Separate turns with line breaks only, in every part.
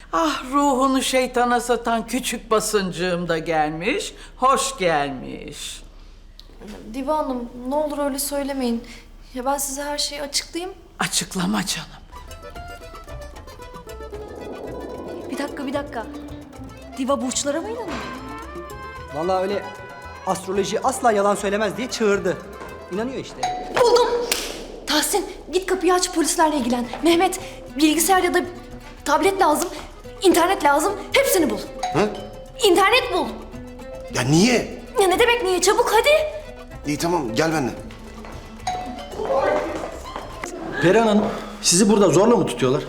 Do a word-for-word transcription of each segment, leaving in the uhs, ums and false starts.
Ah, ruhunu şeytana satan küçük basıncığım da gelmiş. Hoş gelmiş.
Diva Hanım, ne olur öyle söylemeyin. Ya ben size her şeyi açıklayayım.
Açıklama canım.
Bir dakika, bir dakika. Diva burçlara mı inanıyor?
Vallahi öyle astroloji asla yalan söylemez diye çığırdı. İnanıyor işte.
Buldum. Tahsin, git kapıyı aç, polislerle ilgilen. Mehmet, bilgisayar ya da tablet lazım, internet lazım. Hepsini bul.
Hı?
İnternet bul.
Ya niye?
Ya ne demek niye? Çabuk hadi.
İyi tamam gel benimle.
Perihan Hanım, sizi burada zorla mı tutuyorlar?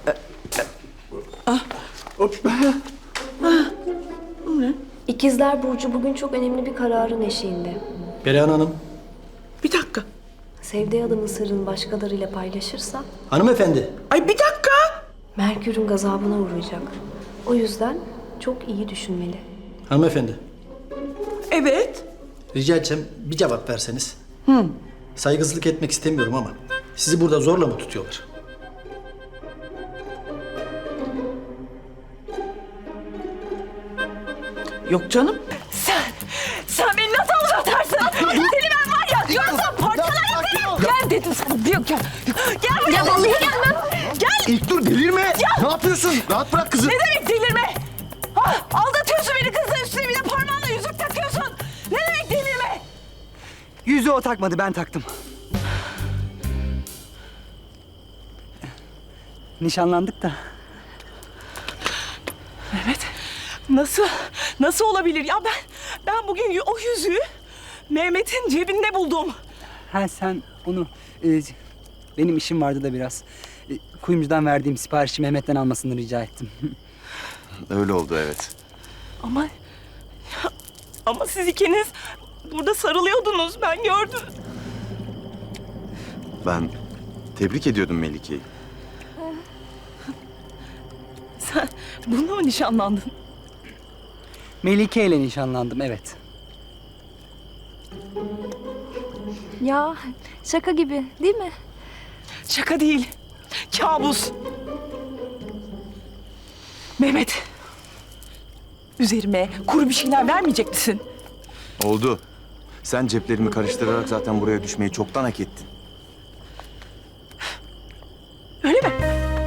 İkizler Burcu bugün çok önemli bir kararın eşiğinde.
Perihan Hanım,
Bir dakika.
Sevdiği adamın sırrını başkalarıyla paylaşırsa
hanımefendi.
Ay bir dakika.
Merkür'ün gazabına uğrayacak. O yüzden çok iyi düşünmeli.
Hanımefendi,
Evet.
rica etsem bir cevap verseniz. Hı. Saygısızlık etmek istemiyorum ama sizi burada zorla mı tutuyorlar?
Yok canım.
Sen, sen beni nasıl uzatarsın? Seni ben var ya, görürsem parçalarım. Gel dedim sana, diyor gel. Gel buraya. Ya vallahi gelmem. Gel.
İlk dur delirme. Ne yapıyorsun? Rahat bırak kızı.
Ne demek delirme? Ha, aldatıyorsun beni kızla, üstüne bir de parmağınla yüzük takıyorsun. Ne demek delirme?
Yüzüğü o takmadı, ben taktım. Nişanlandık da.
Mehmet, nasıl, nasıl olabilir ya ben, ben bugün y- o yüzüğü Mehmet'in cebinde buldum.
Ha sen onu... e, benim işim vardı da biraz. E, kuyumcudan verdiğim siparişi Mehmet'ten almasını rica ettim.
Öyle oldu evet.
Ama, ya, ama siz ikiniz burada sarılıyordunuz, ben gördüm.
Ben tebrik ediyordum Melike'yi.
Sen bununla mı nişanlandın?
Melike ile nişanlandım, evet.
Ya şaka gibi değil mi?
Şaka değil, kabus. Mehmet, üzerime kuru bir şeyler vermeyecek misin?
Oldu. Sen ceplerimi karıştırarak zaten buraya düşmeyi çoktan hak ettin.
Öyle mi?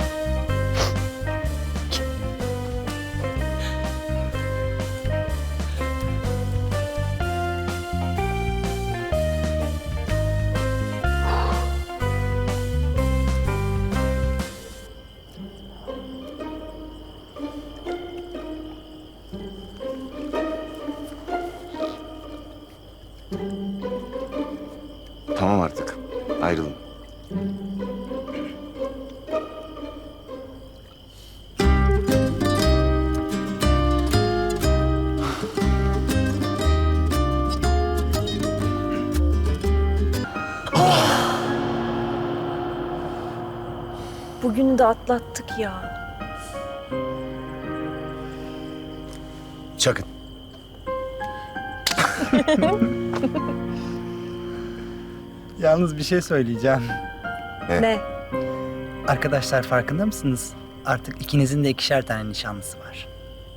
Tamam artık. Ayrılın.
Bugünü de atlattık ya.
Çakın.
Yalnız bir şey söyleyeceğim.
Ne?
Arkadaşlar farkında mısınız? Artık ikinizin de ikişer tane nişanlısı var.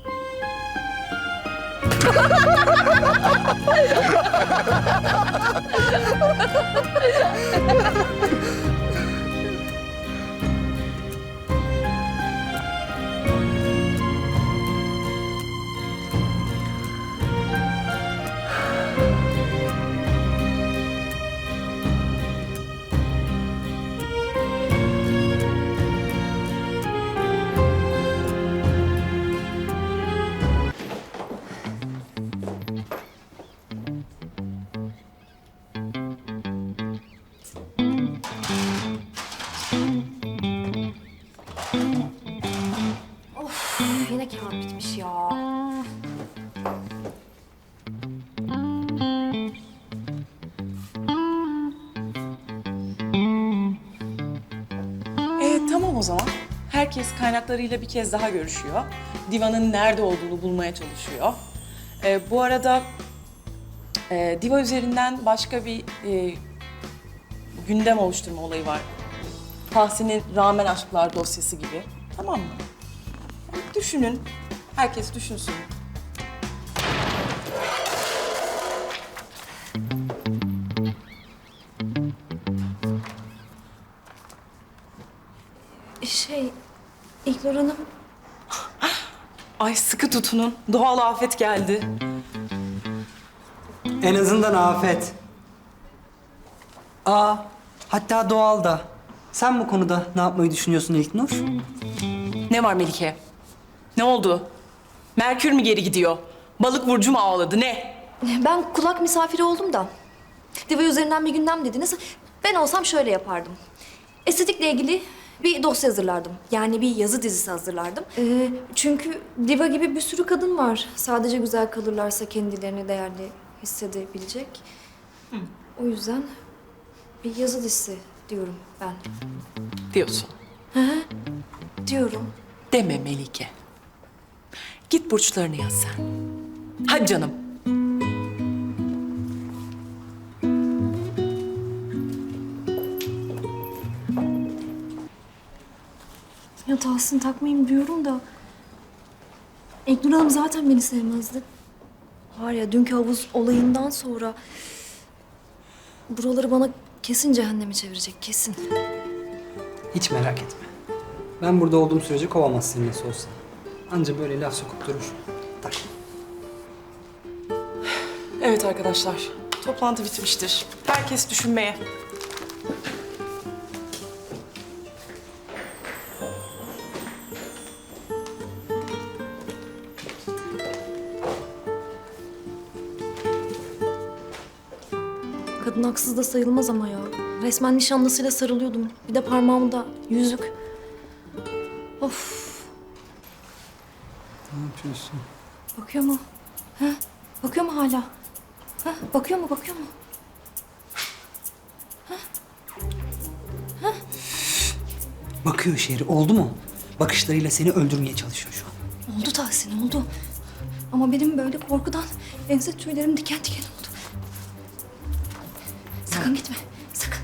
Yine kağıt bitmiş ya.
E, tamam o zaman. Herkes kaynaklarıyla bir kez daha görüşüyor. Diva'nın nerede olduğunu bulmaya çalışıyor. E, bu arada e, Diva üzerinden başka bir e, gündem oluşturma olayı var. Tahsin'in Rağmen Aşklar dosyası gibi. Tamam mı? Düşünün. Herkes düşünsün.
Şey, İlknur Hanım,
Ay sıkı tutunun. Doğal afet geldi.
En azından afet. Aa, hatta doğal da. Sen bu konuda ne yapmayı düşünüyorsun İlknur?
Ne var Melike? Ne oldu? Merkür mü geri gidiyor? Balık burcu mu ağladı? Ne?
ben kulak misafiri oldum da. Diva üzerinden bir gündem dediniz. Ben olsam şöyle yapardım. Estetikle ilgili bir dosya hazırlardım. Yani bir yazı dizisi hazırlardım. Ee, çünkü diva gibi bir sürü kadın var. Sadece güzel kalırlarsa kendilerini değerli hissedebilecek. O yüzden bir yazı dizisi diyorum ben.
Diyorsun.
Diyorum.
Deme Melike. Git burçlarını yaz sen. Hadi canım.
Ya Tahsin takmayayım diyorum da... İlknur Hanım zaten beni sevmezdi. Var ya dünkü havuz olayından sonra... Buraları bana kesin cehenneme çevirecek, kesin.
Hiç merak etme. Ben burada olduğum sürece kovamaz seni nasıl olsa. Anca böyle laf sokup durur. Tak.
Evet arkadaşlar. Toplantı bitmiştir. Herkes düşünmeye.
Kadın haksız da sayılmaz ama ya. Resmen nişanlısıyla sarılıyordum. Bir de parmağımda yüzük. Of.
Ne yapıyorsun?
Bakıyor mu? Ha? Bakıyor mu hala? Ha? Bakıyor mu? Bakıyor mu?
Bakıyor şehri. Oldu mu? Bakışlarıyla seni öldürmeye çalışıyor şu an.
Oldu Tahsin, oldu. Ama benim böyle korkudan ense tüylerim diken diken oldu. Sakın gitme, sakın.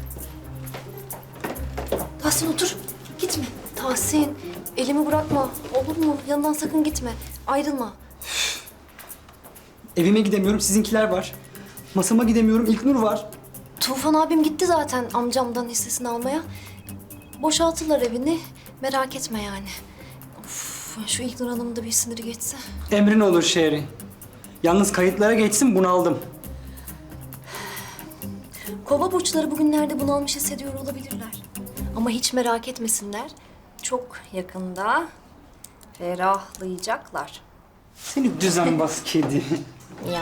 Tahsin otur, gitme. Tahsin, elimi bırakma. Olur mu? Yanından sakın gitme. Ayrılma.
Evime gidemiyorum. Sizinkiler var. Masama gidemiyorum. İlknur var.
Tufan abim gitti zaten amcamdan hissesini almaya. Boşaltırlar evini. Merak etme yani. Of, şu İlknur Hanım'ın da bir siniri geçse.
Emrin olur şehri. Yalnız kayıtlara geçsin bunaldım.
Kova burçları bugünlerde bunalmış hissediyor olabilirler. Ama hiç merak etmesinler. Çok yakında ferahlayacaklar.
Seni düzenbaz kedi.
Ya.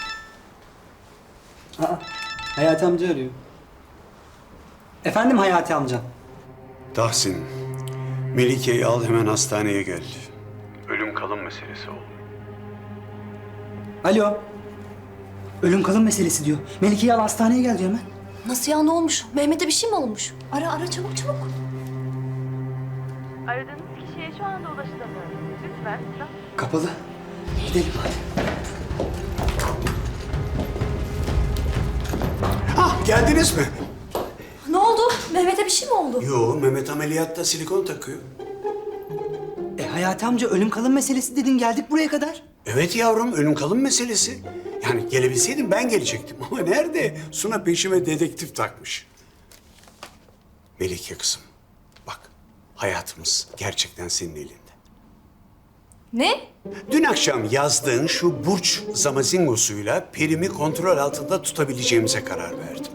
Aa, Hayati amca arıyor. Efendim Hayati amca.
Tahsin, Melike'yi al hemen hastaneye gel. Ölüm kalım meselesi oldu.
Alo. Ölüm kalım meselesi diyor. Melike'yi al hastaneye gel diyor hemen.
Nasıl ya, ne olmuş? Mehmet'e bir şey mi olmuş? Ara ara çabuk çabuk.
Aradığınız kişiye şu anda ulaşılamıyor. Lütfen.
Kapalı. Gidelim hadi.
Ah, geldiniz mi?
Ne oldu? Mehmet'e bir şey mi oldu?
Yo, Mehmet ameliyatta silikon takıyor.
E Hayati amca ölüm kalım meselesi dedin geldik buraya kadar.
Evet yavrum, ölüm kalım meselesi. Yani gelebilseydim ben gelecektim ama nerede? Suna peşime dedektif takmış. Melike kızım, bak hayatımız gerçekten senin elinde.
Ne?
Dün akşam yazdığın şu burç zamazingosuyla Perim'i kontrol altında tutabileceğimize karar verdim.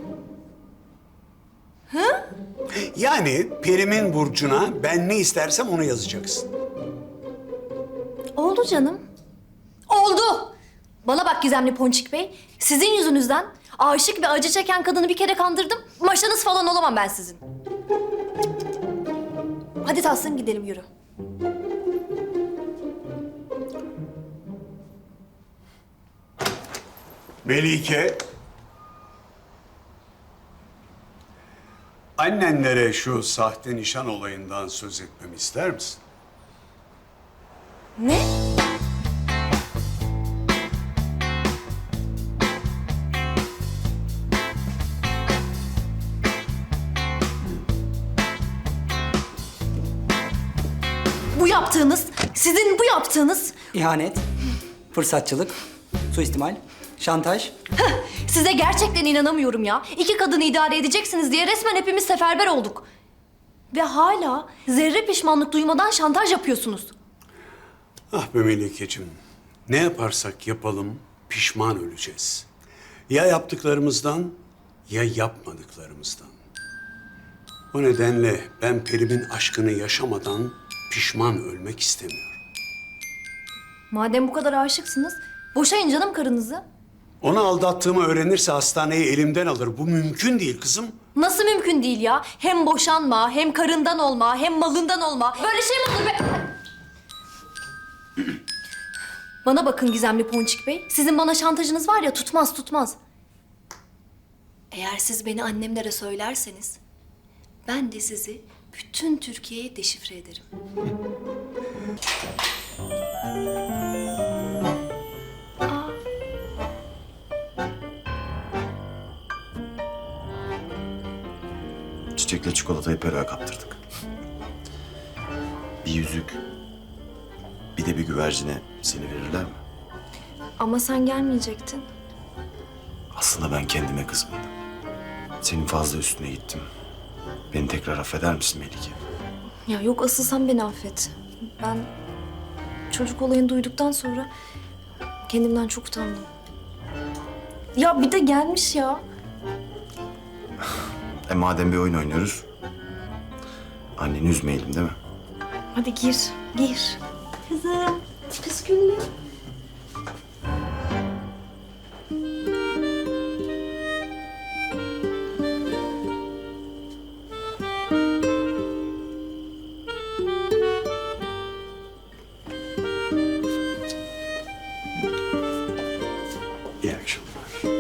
Hı?
Yani Perim'in burcuna ben ne istersem onu yazacaksın.
Oldu canım. Oldu. Bana bak Gizemli Ponçik Bey. Sizin yüzünüzden aşık ve acı çeken kadını bir kere kandırdım. Maşanız falan olamam ben sizin. Hadi Tahsin gidelim, yürü.
Melike. Annenlere şu sahte nişan olayından söz etmemi ister misin?
Ne? Bu yaptığınız Sizin bu yaptığınız...
İhanet, fırsatçılık, suistimal, şantaj.
Size gerçekten inanamıyorum ya. İki kadını idare edeceksiniz diye resmen hepimiz seferber olduk. Ve hala zerre pişmanlık duymadan şantaj yapıyorsunuz.
Ah be Melike'cim. Ne yaparsak yapalım pişman öleceğiz. Ya yaptıklarımızdan ya yapmadıklarımızdan. O nedenle ben Perim'in aşkını yaşamadan pişman ölmek istemiyorum.
Madem bu kadar aşıksınız, boşayın canım karınızı.
Onu aldattığımı öğrenirse hastaneyi elimden alır. Bu mümkün değil kızım.
Nasıl mümkün değil ya? Hem boşanma, hem karından olma, hem malından olma. Böyle şey mi olur be? Bana bakın Gizemli Ponçik Bey. Sizin bana şantajınız var ya, tutmaz tutmaz. Eğer siz beni annemlere söylerseniz... ben de sizi bütün Türkiye'ye deşifre ederim.
Çiçekle çikolatayı Peri'ye kaptırdık. Bir yüzük, bir de bir güvercine seni verirler mi?
Ama sen gelmeyecektin.
Aslında ben kendime kızgındım. Senin fazla üstüne gittim. Beni tekrar affeder misin Melike?
Ya yok, asıl sen beni affet. Ben çocuk olayını duyduktan sonra kendimden çok utandım. Ya bir de gelmiş ya.
E madem bir oyun oynuyoruz, anneni üzmeyelim değil mi?
Hadi gir, gir. Kızım, püsküllü.
İyi akşamlar.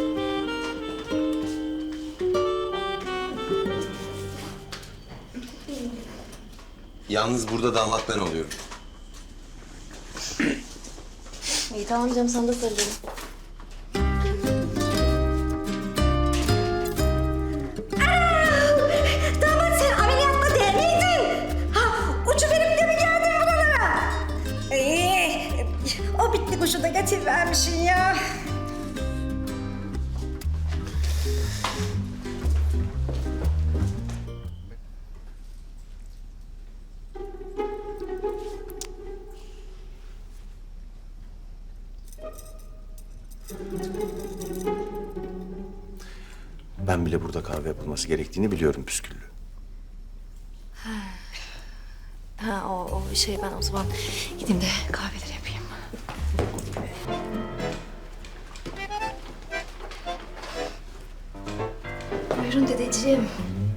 Yalnız burada damat ben oluyorum.
İyi tamam canım, sana da sarılalım.
Damat sen ameliyatta değil miydin? Ha, uçu verip de mi geldin buralara? Ee, o bitli kuşu da getirvermişsin ya.
Ben bile burada kahve yapılması gerektiğini biliyorum püsküllü.
Ha o, o şey, ben o zaman gideyim de kahveleri yapayım. Buyurun dedeciğim.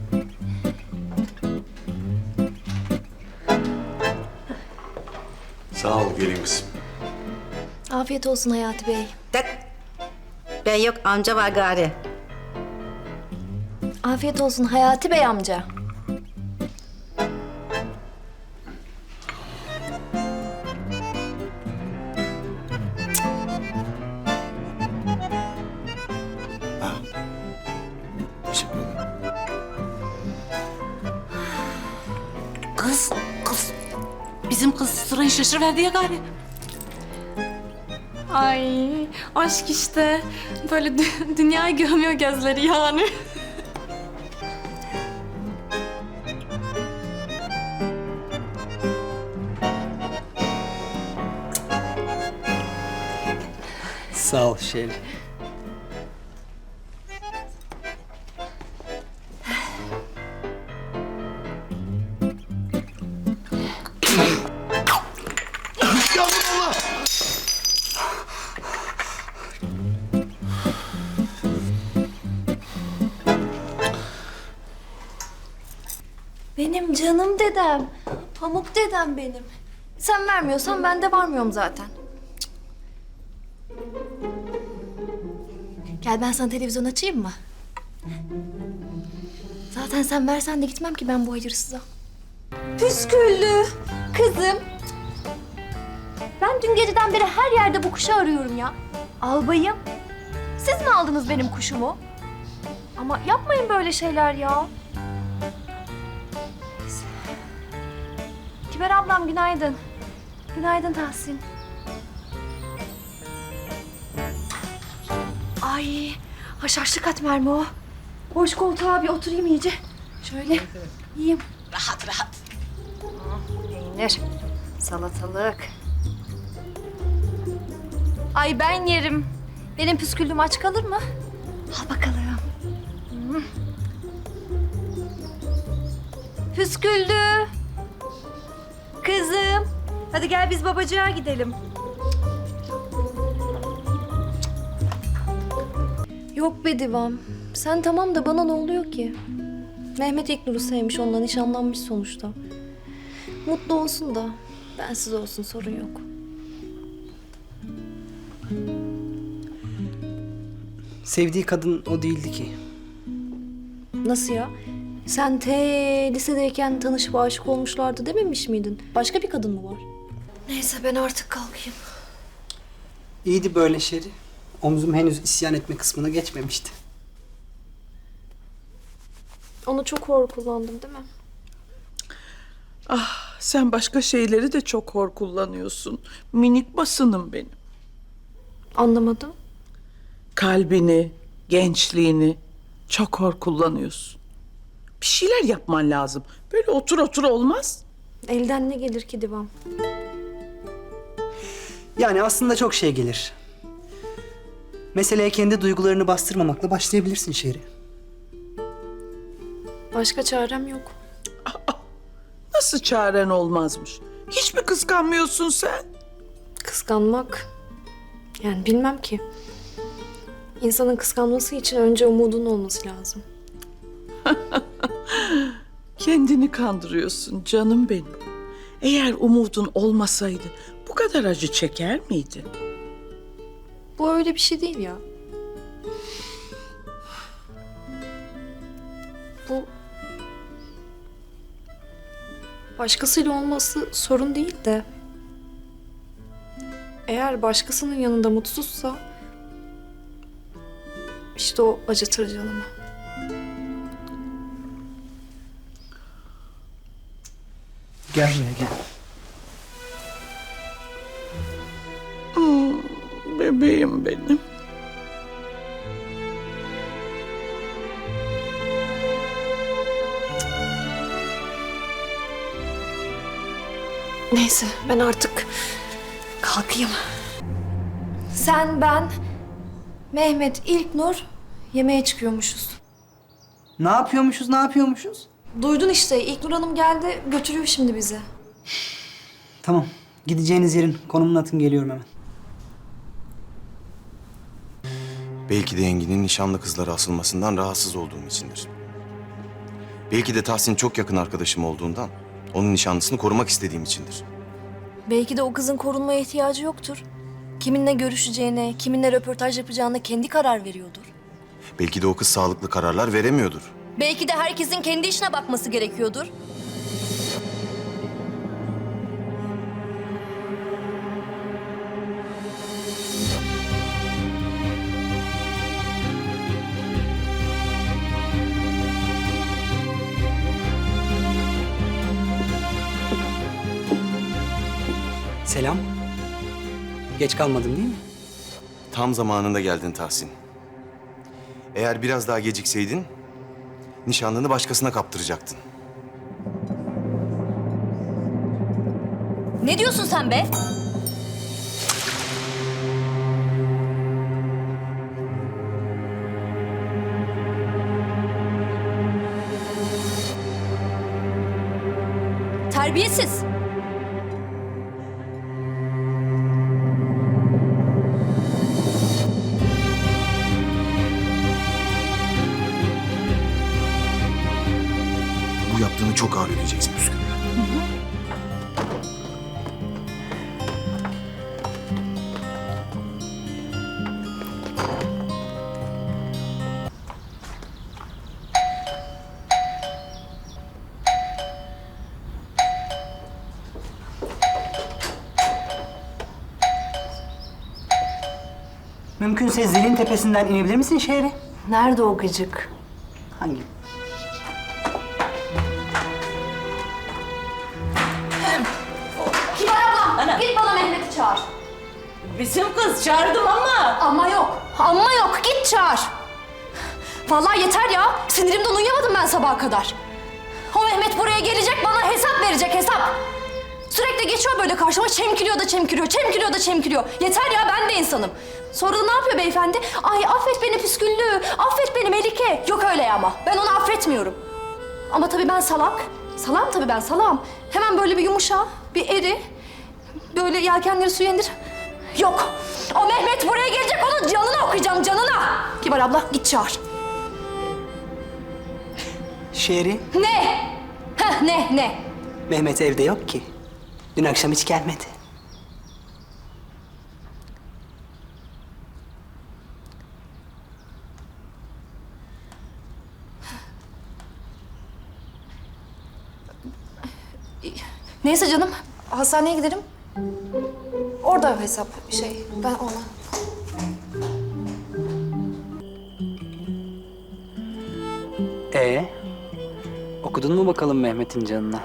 Sağ ol gelin kızım.
Afiyet olsun Hayati Bey.
Tek. Ben yok, amca var gari.
Afiyet olsun Hayati Bey amca.
Teşekkür ederim.
Kız, kız. Bizim kız sırayı şaşırıverdi ya gari.
Ay aşk işte. Böyle dü- dünyayı görmüyor gözleri yani.
Sağ ol Şeri.
Benim canım dedem. Pamuk dedem benim. Sen vermiyorsan ben de varmıyorum zaten. Cık. Gel ben sana televizyon açayım mı? Zaten sen versen de gitmem ki ben bu hayırsıza. Püsküllü kızım. Ben dün geceden beri her yerde bu kuşu arıyorum ya. Albayım. Siz mi aldınız benim kuşumu? Ama yapmayın böyle şeyler ya. Kiber ablam günaydın.
Günaydın Tahsin. Ay, haşhaşlı katmer mi o? Boş koltuğa bir oturayım iyice. Şöyle yiyeyim.
Rahat rahat.
Peynir, salatalık. Ay ben yerim. Benim püsküllüm aç kalır mı? Al bakalım. Hmm. Püsküllü. Kızım. Hadi gel biz babacığa gidelim. Yok be Divam. Sen tamam da bana ne oluyor ki? Mehmet İlknur'u sevmiş, ondan nişanlanmış sonuçta. Mutlu olsun da bensiz olsun, sorun yok.
Sevdiği kadın o değildi ki.
Nasıl ya? Sen te lisedeyken tanışıp aşık olmuşlardı dememiş miydin? Başka bir kadın mı var? Neyse ben artık kalkayım.
İyiydi böyle Şeri. Omzum henüz isyan etme kısmına geçmemişti.
Onu çok hor kullandım değil mi?
Ah, sen başka şeyleri de çok hor kullanıyorsun. Minik basınım benim.
Anlamadım.
Kalbini, gençliğini çok hor kullanıyorsun. Bir şeyler yapman lazım. Böyle otur otur olmaz.
Elden ne gelir ki Divam?
Yani aslında çok şey gelir. Meseleye kendi duygularını bastırmamakla başlayabilirsin Şeri.
Başka çarem yok.
Nasıl çaren olmazmış? Hiç mi kıskanmıyorsun sen?
Kıskanmak... Yani bilmem ki. İnsanın kıskanması için önce umudun olması lazım.
Kendini kandırıyorsun canım benim. Eğer umudun olmasaydı bu kadar acı çeker miydin?
Bu öyle bir şey değil ya. Bu... Başkasıyla olması sorun değil de... Eğer başkasının yanında mutsuzsa... işte o acıtır canımı.
Gel buraya gel.
Hmm, bebeğim benim.
Neyse ben artık kalkayım. Sen, ben, Mehmet, İlknur yemeğe çıkıyormuşuz.
Ne yapıyormuşuz, ne yapıyormuşuz?
Duydun işte, İlknur Hanım geldi, götürüyor şimdi bizi.
Tamam, gideceğiniz yerin konumunu atın, geliyorum hemen.
Belki de Engin'in nişanlı kızlara asılmasından rahatsız olduğum içindir. Belki de Tahsin çok yakın arkadaşım olduğundan onun nişanlısını korumak istediğim içindir.
Belki de o kızın korunmaya ihtiyacı yoktur. Kiminle görüşeceğine, kiminle röportaj yapacağına kendi karar veriyordur.
Belki de o kız sağlıklı kararlar veremiyordur.
Belki de herkesin kendi işine bakması gerekiyordur.
Selam. Geç kalmadım değil mi?
Tam zamanında geldin Tahsin. Eğer biraz daha gecikseydin nişanlını başkasına kaptıracaktın.
Ne diyorsun sen be? Terbiyesiz.
Bu yaptığını çok ağır ödeyeceksin Püskül.
Mümkünse zilin tepesinden inebilir misin Şehri?
Nerede o gıcık?
Hangi?
Kibar ablam, git
Bizim kız çağırdım ama.
Ama yok. Ama yok. Git çağır. Vallahi yeter ya. Sinirimden uyuyamadım ben sabaha kadar. O Mehmet buraya gelecek, bana hesap verecek, hesap. Sürekli geçiyor böyle karşıma, çemkiriyor da çemkiriyor, çemkiriyor da çemkiriyor. Yeter ya, ben de insanım. Sonra da ne yapıyor beyefendi? Ay affet beni püsküllü, affet beni Melike. Yok öyle ama, ben onu affetmiyorum. Ama tabii ben salak. Salağım tabii ben, salağım. Hemen böyle bir yumuşa, bir eri. Böyle yelkenleri suya indir. Yok, o Mehmet buraya gelecek, onun canını okuyacağım, canına. Kibar abla, git çağır.
Şehri,
Ne? Heh, ne, ne?
Mehmet evde yok ki. Dün akşam hiç gelmedi.
Neyse canım, hastaneye giderim. Orada hesap şey, ben ona.
Ee, okudun mu bakalım Mehmet'in canına?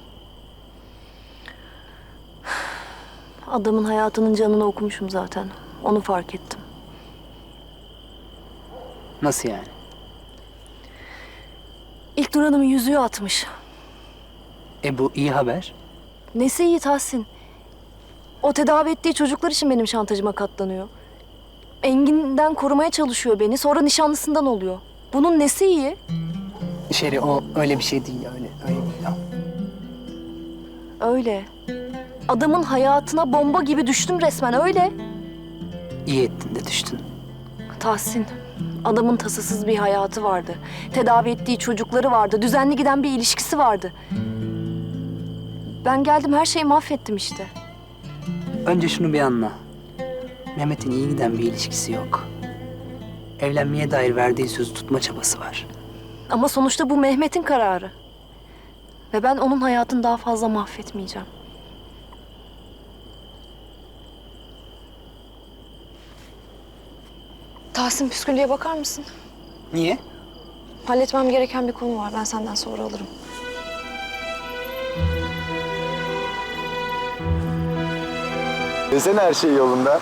Adamın hayatının canını okumuşum zaten. Onu fark ettim.
Nasıl yani?
İlknur Hanım'ın yüzüğü atmış.
E bu iyi haber.
Nesi iyi Tahsin? O tedavi ettiği çocuklar için benim şantajıma katlanıyor. Engin'den korumaya çalışıyor beni. Sonra nişanlısından oluyor. Bunun nesi iyi?
Şehri o öyle bir şey değil öyle öyle değil. o.
Öyle. Adamın hayatına bomba gibi düştüm resmen öyle.
İyi ettin de düştün.
Tahsin, adamın tasasız bir hayatı vardı. Tedavi ettiği çocukları vardı. Düzenli giden bir ilişkisi vardı. Ben geldim her şeyi mahvettim işte.
Önce şunu bir anla. Mehmet'in iyi giden bir ilişkisi yok. Evlenmeye dair verdiği sözü tutma çabası var.
Ama sonuçta bu Mehmet'in kararı. Ve ben onun hayatını daha fazla mahvetmeyeceğim. Tahsin, püsküllüye bakar mısın?
Niye?
Halletmem gereken bir konu var. Ben senden sonra alırım.
Desene her şey yolunda.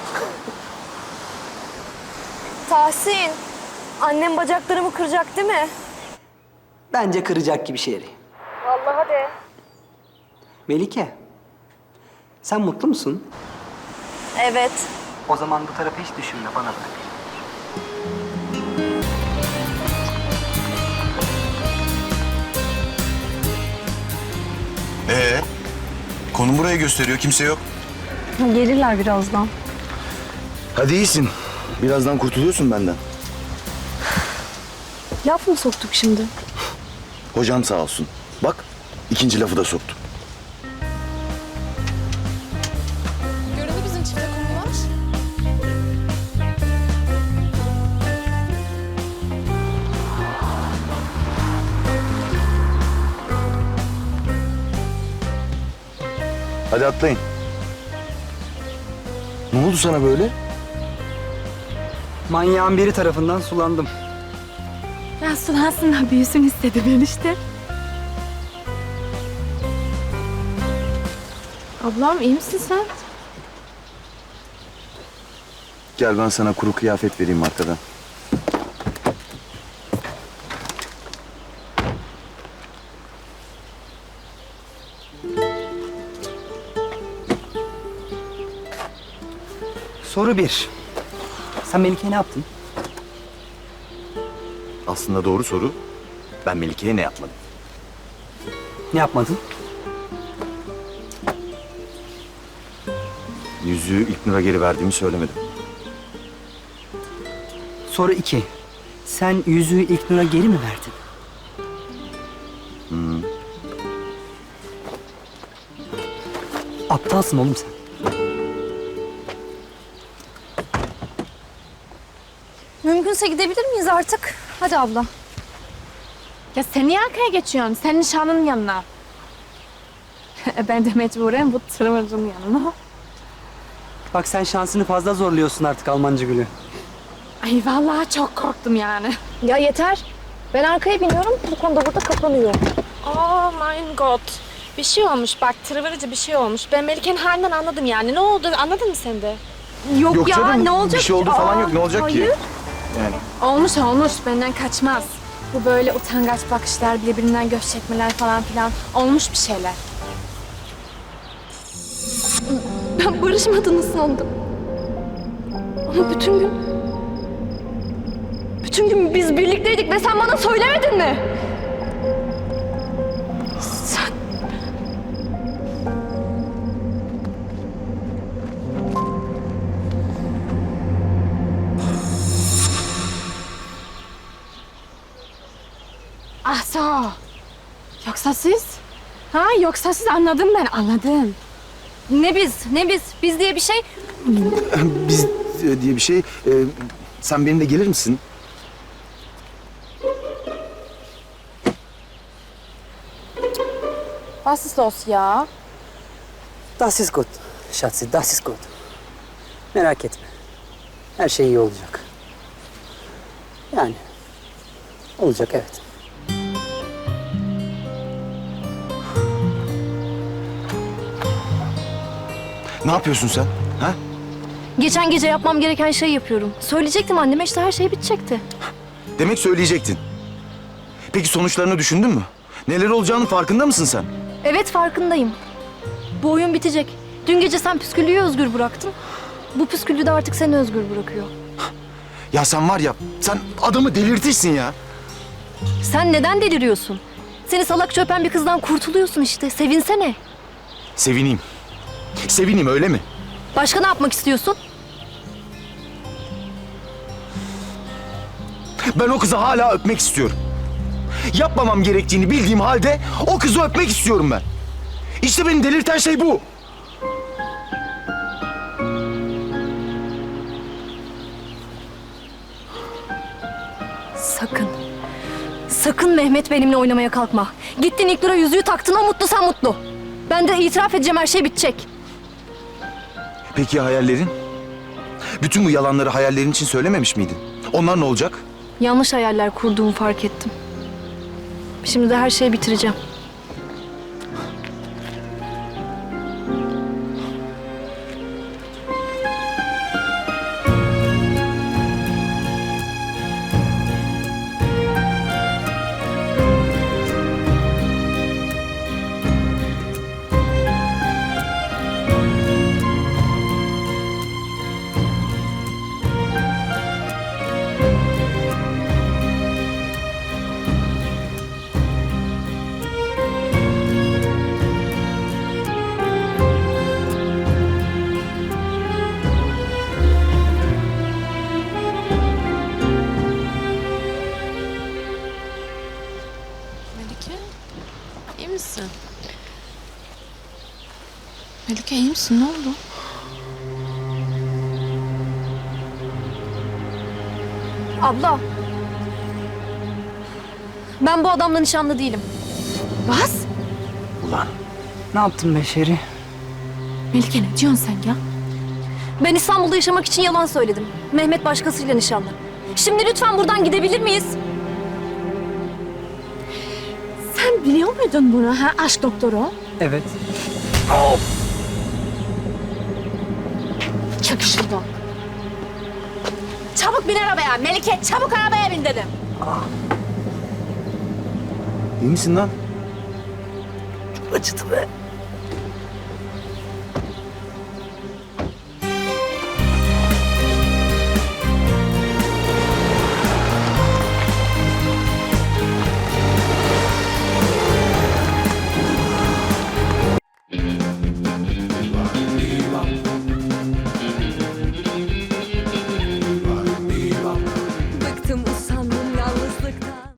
Tahsin, annem bacaklarımı kıracak değil mi?
Bence kıracak gibi Şehri.
Vallahi de.
Melike, sen mutlu musun?
Evet.
O zaman bu tarafı hiç düşünme, bana bırak.
Ee, konum burayı gösteriyor, kimse yok.
Gelirler birazdan.
Hadi iyisin. Birazdan kurtuluyorsun benden.
Laf mı soktuk şimdi?
Hocam sağ olsun. Bak, ikinci lafı da soktu.
Göründü bizim çifte konular.
Hadi atlayın. Ne oldu sana böyle?
Manyağın biri tarafından sulandım.
Ben sulansınlar büyüsün istedi ben işte. Ablam iyi misin sen?
Gel ben sana kuru kıyafet vereyim arkadan.
Soru bir. Sen Melike'ye ne yaptın?
Aslında doğru soru. Ben Melike'ye ne yapmadım?
Ne yapmadın?
Yüzüğü İlknur'a geri verdiğimi söylemedim.
Soru iki. Sen yüzüğü İlknur'a geri mi verdin?
Hmm.
Aptalsın oğlum sen.
Mümkünse gidebilir miyiz artık? Hadi abla.
Ya sen niye arkaya geçiyorsun? Sen nişanlının yanına. E ben de mecburen bu tırmırcının yanına.
Bak sen şansını fazla zorluyorsun artık Almancı Gülü.
Ay vallahi çok korktum yani.
Ya yeter. Ben arkaya biniyorum. Bu konuda burada kapanıyor.
Oh my god. Bir şey olmuş bak tırvırıcı bir şey olmuş. Ben Melike'nin halinden anladım yani. Ne oldu anladın mı sen de? Yok,
Yok
ya
canım,
ne olacak
bir şey oldu
ki?
falan
Aa,
yok. Ne olacak
hayır.
ki? Yani
Olmuş olmuş benden kaçmaz. Bu böyle utangaç bakışlar, birbirinden göz çekmeler falan filan olmuş bir şeyler. Ben barışmadığını sandım. Ama bütün gün... Bütün gün biz birlikteydik ve sen bana söylemedin mi? Sen... Ah so. Yoksa siz? Ha yoksa siz anladım ben anladım.
Ne biz, ne biz? Biz diye bir şey...
biz e, diye bir şey. e, sen benimle gelir misin?
Was ist los ya?
Das ist gut. Schatzi, das ist gut. Merak etme. Her şey iyi olacak. Yani olacak evet.
Ne yapıyorsun sen? Ha?
Geçen gece yapmam gereken şeyi yapıyorum. Söyleyecektim anneme işte her şey bitecekti.
Demek söyleyecektin. Peki sonuçlarını düşündün mü? Neler olacağının farkında mısın sen?
Evet farkındayım. Bu oyun bitecek. Dün gece sen püsküllüyü özgür bıraktın. Bu püsküllü de artık seni özgür bırakıyor.
Ya sen var ya, sen adamı delirtirsin ya.
Sen neden deliriyorsun? Seni salakça öpen bir kızdan kurtuluyorsun işte. Sevinsene.
Sevineyim. Sevineyim öyle mi?
Başka ne yapmak istiyorsun?
Ben o kızı hala öpmek istiyorum. Yapmamam gerektiğini bildiğim halde o kızı öpmek istiyorum ben. İşte beni delirten şey bu.
Sakın. Sakın Mehmet benimle oynamaya kalkma. Gittin İlknur'a yüzüğü taktın, o mutlu sen mutlu. Ben de itiraf edeceğim, her şey bitecek.
Peki ya hayallerin? Bütün bu yalanları hayallerin için söylememiş miydin? Onlar ne olacak?
Yanlış hayaller kurduğumu fark ettim. Şimdi de her şeyi bitireceğim.
Melike, iyi misin? Melike iyi misin? Ne oldu?
Abla. Ben bu adamla nişanlı değilim.
Bas.
Ulan.
Ne yaptın Beşeri?
Melike ne diyorsun sen ya?
Ben İstanbul'da yaşamak için yalan söyledim. Mehmet başkasıyla nişanlı. Şimdi lütfen buradan gidebilir miyiz?
Sen biliyor muydun bunu ha aşk doktoru?
Evet.
Çök şuradan. Çabuk bin arabaya. Melike çabuk arabaya bin dedim.
İyi misin lan?
Acıdı be.